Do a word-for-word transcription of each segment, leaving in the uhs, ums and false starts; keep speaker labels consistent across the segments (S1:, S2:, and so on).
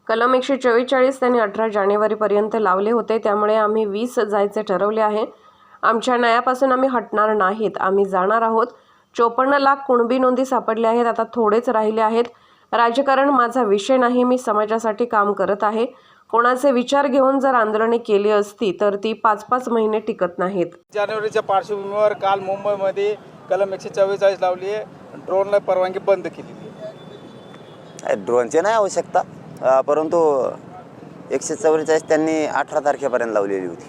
S1: कलम एकशे चव्वेचाळीस त्यांनी अठरा जानेवारीपर्यंत लावले होते, त्यामुळे आम्ही वीस जायचे ठरवले आहे। आमच्या न्यायापासून आम्ही हटणार नाहीत, आम्ही जाणार आहोत। चोपन्न लाख कुणबी नोंदी सापडल्या आहेत, आता थोडेच राहिले आहेत। राजकारण माझा विषय नाही, मी समाजासाठी काम करत आहे। कोणाचे विचार घेऊन जर आंदोलने केली असती तर ती पाच पाच महिने टिकत नाहीत।
S2: जानेवारीच्या पार्श्वभूमीवर काल मुंबईमध्ये कलम एकशे चव्वेचाळीस लावली आहे, ड्रोनला परवानगी बंद केलेली आहे।
S3: ड्रोनची नाही आवश्यकता, परंतु एकशे चव्वेचाळीस त्यांनी अठरा तारखेपर्यंत लावलेली होती।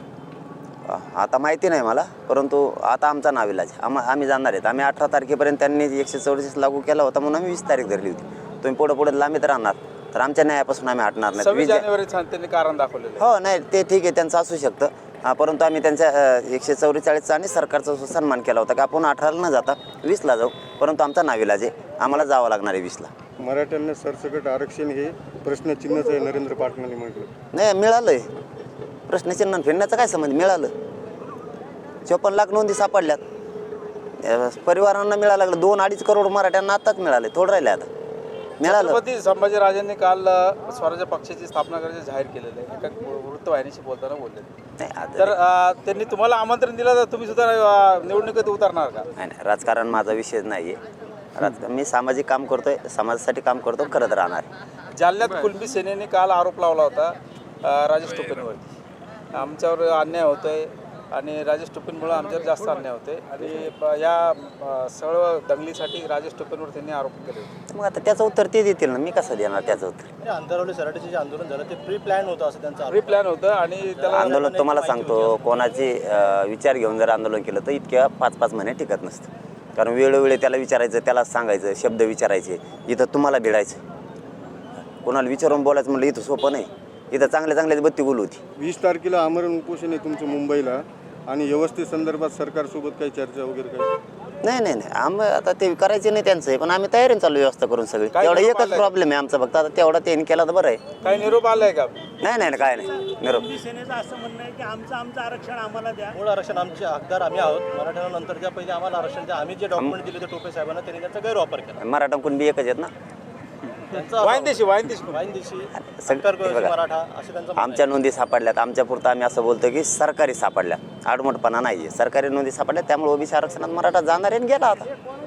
S3: आता माहिती नाही मला, परंतु आता आमचा नाविलाज आम आम्ही जाणार आहेत। आम्ही अठरा तारखेपर्यंत त्यांनी एकशे चव्वेचाळीस लागू केला होता म्हणून आम्ही वीस तारीख धरली होती। तुम्ही पुढे पुढे लांबीत राहणार तर आमच्या न्यायापासून आम्ही हटणार नाही।
S2: सव्वीस जानेवारी त्यांनी कारण दाखवलेलं
S3: हो नाही ते ठीक आहे, त्यांचं असू शकतं, परंतु आम्ही त्यांच्या एकशे चव्वेचाळीसचा आणि सरकारचा सन्मान केला होता की आपण अठराला न जाता वीसला जाऊ, परंतु आमचा नाविलाज आहे, आम्हाला जावं लागणार आहे वीसला।
S4: मराठ्यांना सरसकट आरक्षण हे प्रश्नचिन्हच आहे, नरेंद्र पाटलांनी म्हटलं।
S3: नाही मिळालं आहे, प्रश्नचिन्ह फिरण्याचा काय संबंध, मिळालं। चोपन्न लाख नोंदी सापडल्यात, परिवारांना मिळायला लागलं। दोन अडीच करोड मराठ्यांना आताच मिळाले, थोडं राहिले आता मिळालं।
S2: छत्रपती संभाजीराजांनी काल स्वराज्य पक्षाची स्थापना करायचे जाहीर केलेलं आहे, एका वृत्तवाहिनीशी बोलताना बोलले। तर त्यांनी तुम्हाला आमंत्रण दिलं तर तुम्ही सुद्धा निवडणुकीत उतरणार का?
S3: नाही नाही, राजकारण माझा विषय नाही आहे। राजकारण मी सामाजिक काम करतोय, समाजासाठी काम करतो, करत राहणार।
S2: जालन्यात कुणबी सेनेने काल आरोप लावला होता राजेश टोपेंवरती, आमच्यावर अन्याय होतोय आणि राजेश टोपेंमुळे आमच्यावर जास्त अन्याय होते आणि या सर्व दंगलीसाठी राजेश टोपेंवर त्यांनी आरोप केले होते।
S3: मग आता त्याचं उत्तर ते देतील ना, मी कसं देणार त्याचं उत्तर?
S5: अंतरवली सराटीचे जे आंदोलन झालं ते प्री प्लॅन होतं असं त्यांचं
S2: प्री प्लॅन होतं आणि त्याला
S3: आंदोलन तुम्हाला सांगतो, कोणाचे विचार घेऊन जर आंदोलन केलं तर इतक्या पाच पाच महिने टिकत नसतं, कारण वेळोवेळी त्याला विचारायचं, त्याला सांगायचं, शब्द विचारायचे। इथं तुम्हाला भिडायचं, कोणाला विचारून बोलायचं म्हणलं इथं सोपं नाही, इथं चांगल्या चांगल्याच बत्ती बोल होती।
S4: वीस तारखेला आमरण उपोषण आहे तुमचं मुंबईला, आणि व्यवस्थे संदर्भात सरकारसोबत काही चर्चा वगैरे काही?
S3: नाही नाही नाही, आम्ही आता ते करायचे नाही त्यांचं आहे, पण आम्ही तयारीने चालू व्यवस्था करून सगळी। तेवढा एकच प्रॉब्लेम आहे आमचा फक्त, आता तेवढा त्यांनी केला तर बरं आहे।
S2: काही निरोप आलाय का?
S3: नाही नाही काय नाही निरोप।
S6: सेनेचं असं म्हणणं आहे की आमचं आमचं आरक्षण आम्हाला द्या,
S5: मूळ आरक्षण आमचे हकदार आम्ही आहोत, मराठ्यांना नंतरच्या पहिले आम्हाला आरक्षण द्या। आम्ही जे डॉक्युमेंट दिले ते टोपे साहेबांना, त्यांनी त्याचा गैरवापर केला।
S3: मराठा कुणबी एकच आहेत ना,
S2: वाईनदेशी वाईनदेशी
S5: वाईनदेशी
S3: सगळं
S5: मराठा असे त्यांचं
S3: आमच्या नोंदी सापडल्यात। आमच्या पुरतं आम्ही असं बोलतो की सरकारी सापडल्या, आडमोठपणा नाही आहे, सरकारी नोंदी सापडल्या, त्यामुळे ओबीसी आरक्षणात मराठा जाणार आहे गेला आता।